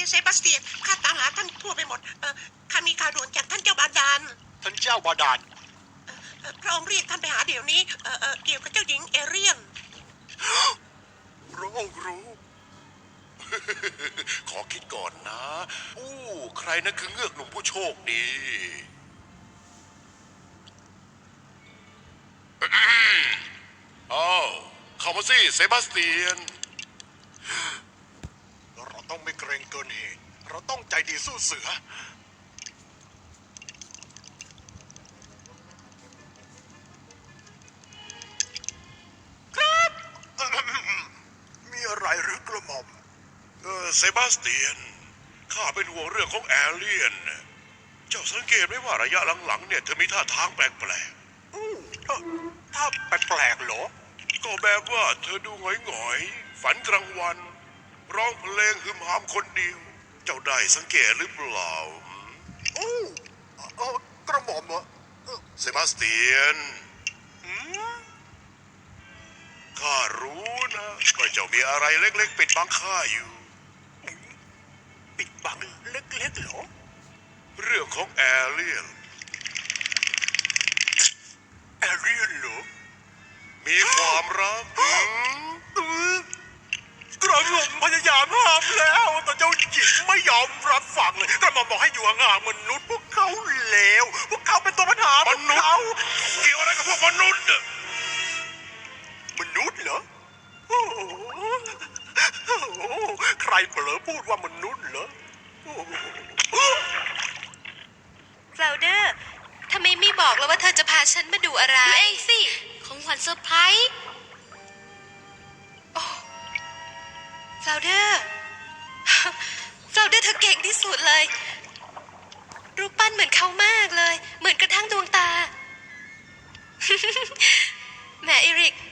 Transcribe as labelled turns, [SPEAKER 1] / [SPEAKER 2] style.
[SPEAKER 1] เซบาสเตียนข้าตามหาท่านทั่วไปหมดข้ามีข่าวด่วนจากท่านเจ้าบาดาล
[SPEAKER 2] ท่านเจ้าบาดาล
[SPEAKER 1] พระองค์เรียกท่านไปหาเดี๋ยวนี้เกี่ยวกับเจ้าหญิงเอเรียน
[SPEAKER 2] พระองค์รู้ ขอคิดก่อนนะใครนั่นคือเงือกหนุ่มผู้โชคดีเข้ามาสิเซบาสเตียนเราต้องไม่เกรงเกินเหตุเราต้องใจดีสู้เสือครับ มีอะไรหรือกระหม่อมเซบาสเตียนข้าเป็นห่วงเรื่องของแอเลียนเจ้าสังเกตไหมว่าระยะหลังๆเนี่ยเธอมีท่าทางแปลกๆถ้าแปลกๆเหรอก็แบบว่าเธอดูหงอยๆฝันกลางวันร้องเพลงฮึมหามคนเดียวเจ้าได้สังเกตหรือเปล่ากระหม่อมเหรอเซบาสเตียนข้ารู้นะว่าเจ้ามีอะไรเล็กๆปิดบังข้าอยู่ปิดบังเล็กๆเหรอเรื่องของแอเรียนเหรอมีความรักกระหม่อมพยายามห้ามแล้วแต่เจ้าหญิงไม่ยอมรับฟังเลยกระหม่อมบอกให้อยู่ห่างๆมนุษย์พวกเขาเลวพวกเขาเป็นตัวปัญหามนุษย์เกี่ยวอะไรกับพวกมนุษย์เหรอใครเผลอพูดว่ามนุษย์เหรอ
[SPEAKER 3] คลาวเดอร์ทำไมไม่บอกแล้วว่าเธอจะพาฉันมาดูอะไรเองสิของขวัญเซอร์ไพรส์โอ้คลาวเดอร์คลาวเดอร์เธอเก่งที่สุดเลยรูปปั้นเหมือนเขามากเลยเหมือนกระทั่งดวงตา แหมเอริก